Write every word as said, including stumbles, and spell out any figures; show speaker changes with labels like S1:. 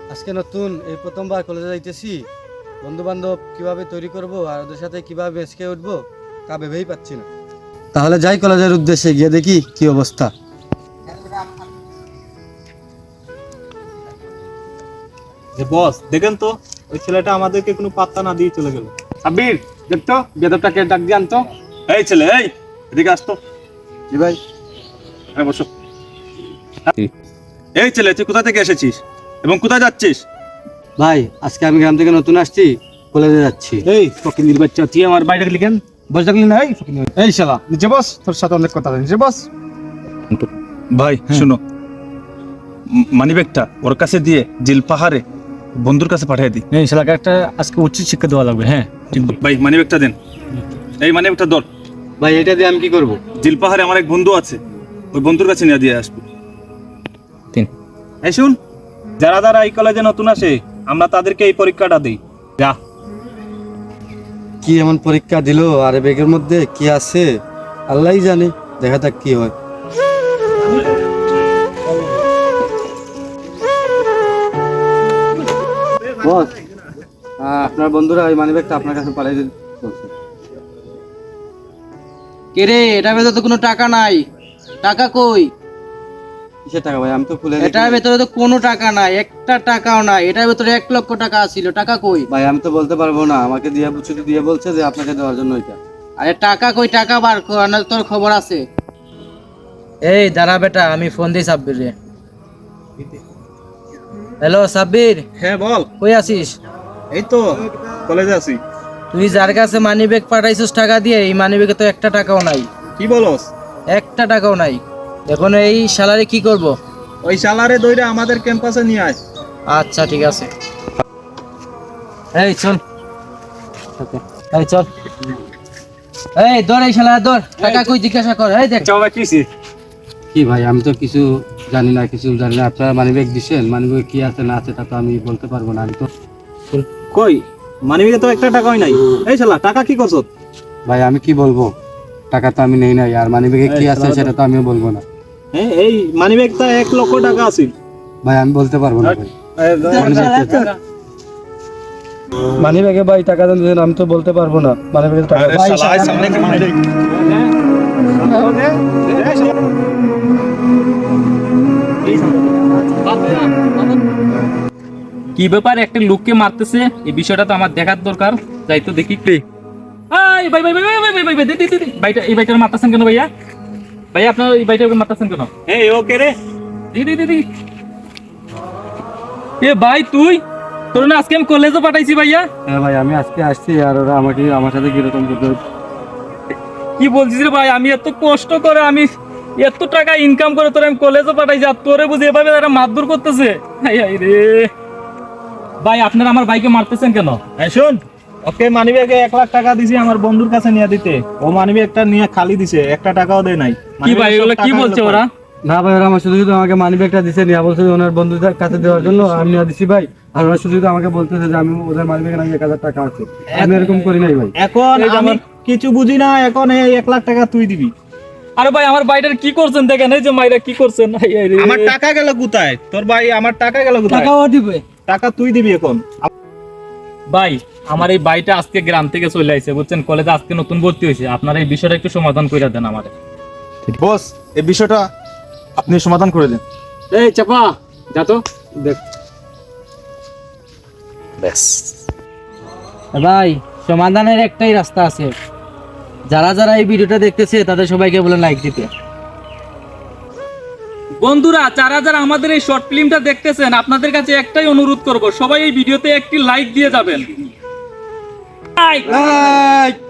S1: আজকে নতুন এই প্রথমবার কলেজে যাইতেছি, বন্ধু বান্ধব কিভাবে তৈরি করব আর ওদের সাথে কিভাবে বেসকে উঠবো তা ভেবেই পাচ্ছি না। তাহলে যাই কলেজের উদ্দেশ্যে, গিয়ে দেখি কি অবস্থা।
S2: যে বস দেখেন তো, ওই ছেলেটা আমাদেরকে কোনো পাত্তা না দিয়ে চলে গেল। সাব্বির দেখতো বেদবটাকে ডাক দিয়ে আনতো। এই ছেলে, এই এদিকে আসতো।
S1: জি ভাই।
S2: হ্যাঁ বসো। এই ছেলে, তুই কোথা থেকে এসেছিস এবং কোথায় যাচ্ছিস?
S1: ভাই আজকে আমি গ্রাম থেকে নতুন আসছি, কলেজে যাচ্ছি।
S2: এই ফকিন্দির বাচ্চা, তুই আমার বাইরে ডাকলি কেন? বস ডাকলি না? এই ফকিন্দির, এই শালা নিচে বস, তোর সাথে অনেক কথা আছে, নিচে বস। ভাই শুনো, মানিব্যাগটা ওর কাছে দিয়ে জিল পাহাড়ে বন্ধুর কাছে পাঠিয়ে দিই।
S3: এই শালাকে একটা আজকে উচিত শিক্ষা দেওয়া লাগবে। হ্যাঁ
S2: ভাই মানিব্যাগটা দেন। এই মানিব্যাগটা ধর।
S1: ভাই এটা দিয়ে আমি কি করব?
S2: জিল পাহাড়ে আমার এক বন্ধু আছে, ওই বন্ধুর কাছে নিয়ে দিয়ে আসবো।
S3: তিন
S2: এই শুন, যারা যারা এই কলেজে নতুন আসে আমরা তাদেরকে এই পরীক্ষাটা দিই। যা।
S1: কি এমন পরীক্ষা দিল, আর এই ব্যাগের মধ্যে কি আছে আল্লাহই জানে, দেখা যাক কি হয়। বস, আপনার বন্ধুরা ওই মানিব্যাগটা আপনার কাছে পাঠিয়ে দিতে বলছে।
S4: কে রে, এটার ভেতরে তো কোনো টাকা নাই। টাকা কই?
S1: কিসের টাকা ভাই? আমি তো খুলে
S4: এটার ভেতরে তো কোনো টাকা নাই, একটা টাকাও নাই। এটার ভেতরে এক লক্ষ টাকা ছিল, টাকা কই?
S1: ভাই আমি তো বলতে পারবো না, আমাকে দিয়ে শুধু দিয়ে বলছে যে আপনাকে দেওয়ার জন্য ওইটা।
S4: আরে টাকা কই? টাকা বার কর, না তোর খবর আছে। এই দাঁড়া বেটা, আমি ফোন দিই সাব্বির রে। হ্যালো সাব্বির,
S2: হ্যাঁ বল।
S4: কই আছিস?
S2: এই তো কলেজে আছি।
S4: তুই যার কাছে মানি ব্যাগ পাঠাইছিস টাকা দিয়ে, এই মানি ব্যাগে তো একটা টাকাও নাই।
S2: কি বলস?
S4: একটা টাকাও নাই। এখন এই শালারে কি করব?
S2: ওই শালারে দইরা আমাদের ক্যাম্পাসে নিয়ে আয়।
S4: আচ্ছা ঠিক আছে। এই চল, এই চল, এই ধর, এই শালা ধর। টাকা কই জিজ্ঞাসা কর। এই দেখ
S2: চাও কিছি?
S1: কি ভাই, আমি তো কিছু জানি না, কিছু জানি না। আপনারা মানিব্যাগ দিচ্ছেন, মানিব্যাগ কি আছে না আছে তা তো আমি বলতে পারবো না। আমি তো
S2: কই মানিব্যাগে তো একটা টাকাই নাই। এই শালা টাকা কি করছ?
S1: ভাই আমি কি বলবো, টাকা তো আমি নেই নাই, আর মানিব্যাগে কি আছে সেটা তো আমিও বলবো না।
S2: হ্যাঁ, এই মানিব্যাগটা এক লক্ষ টাকা আছে।
S1: ভাই আমি বলতে পারবো না ভাই।
S3: মানি ব্যাগে ভাই টাকা দেন, আমি তো বলতে পারবো না। মানি ব্যাগে টাকা
S2: আরে শালা আয় সামনে কে মানিব্যাগ।
S5: কি ব্যাপার, একটা লোককে মারতেছে, এই বিষয়টা তো আমার দেখার দরকার। যাই তো দেখি। এই ভাই ভাই ভাই ভাই ভাই ভাই ভাই ভাই, দিদি দিদি ভাইটা, এই ভাইটার মারতেছেন কেন ভাইয়া? ভাইয়া আপনার এই ভাইটাকে মারতেছেন কেন?
S2: এই ওকে রে।
S5: দিদি দিদি, এ ভাই তুই, তোর না আজকে আমি কলেজে পাঠাইছি ভাইয়া।
S1: হ্যাঁ ভাই আমি আজকে আসছি, আর ওরা আমাকে আমার সাথে কিরকম করতে।
S5: কি বলছিস রে ভাই? আমি এত কষ্ট করে, আমি এত টাকা ইনকাম করে তোর আমি কলেজে পাঠাইছি, আর তোরে বুঝি এভাবে তারা মারধর করতেছে। হাই হাই রে ভাই, আপনারা আমার ভাইকে মারতেছেন কেন?
S2: এই শুন, ওকে মানিব্যাগে এক লাখ টাকা দিছি আমার বন্ধুর কাছে নিয়ে দিতে। ও মানিব্যাগটা নিয়ে খালি দিছে, একটা টাকাও দেয় নাই।
S5: কি ভাই এগুলো কি বলছে ওরা?
S1: না ভাই, ওরা আমার শুধু শুধু আমাকে মানিব্যাগটা দিছে, নিয়ে বলছে যে ওনার বন্ধুদের কাছে দেওয়ার জন্য আমি নিয়ে দিছি ভাই। আর ওরা শুধু শুধু আমাকে বলতেছে যে আমি ওদের মানিব্যাগে নাকি এক হাজার টাকা আছে। আমি এরকম করি নাই ভাই।
S2: এখন আমি কিছু বুঝি না, এখন এই এক লাখ টাকা তুই দিবি।
S5: আরে ভাই আমার ভাইটার কি করছেন দেখেন, এই যে মাইরা কি করছেন। হাই হাই রে
S2: আমার টাকা গেল কোথায়? তোর ভাই আমার টাকা গেল কোথায়?
S4: টাকাও দিবে।
S2: টাকা তুই দিবি এখন।
S5: ভাই আমার এই ভাইটা আজকে গ্রাম থেকে চলে আইছে বুঝছেন, কলেজে আজকে নতুন ভর্তি হয়েছে। আপনারা এই বিষয়টা একটু সমাধান করে দেন আমাদের।
S2: বস এই বিষয়টা আপনি সমাধান করে দেন।
S3: এই চাপা যা তো দেখ।
S4: ভাই সমাধানের একটাই রাস্তা আছে। যারা যারা এই ভিডিওটা দেখতেছে তাদের সবাইকে বলে লাইক দিতে।
S5: বন্ধুরা, যারা যারা আমাদের এই শর্ট ফিল্মটা দেখতেছেন, আপনাদের কাছে একটাই অনুরোধ করব, সবাই এই ভিডিওতে একটি লাইক দিয়ে যাবেন। লাইক।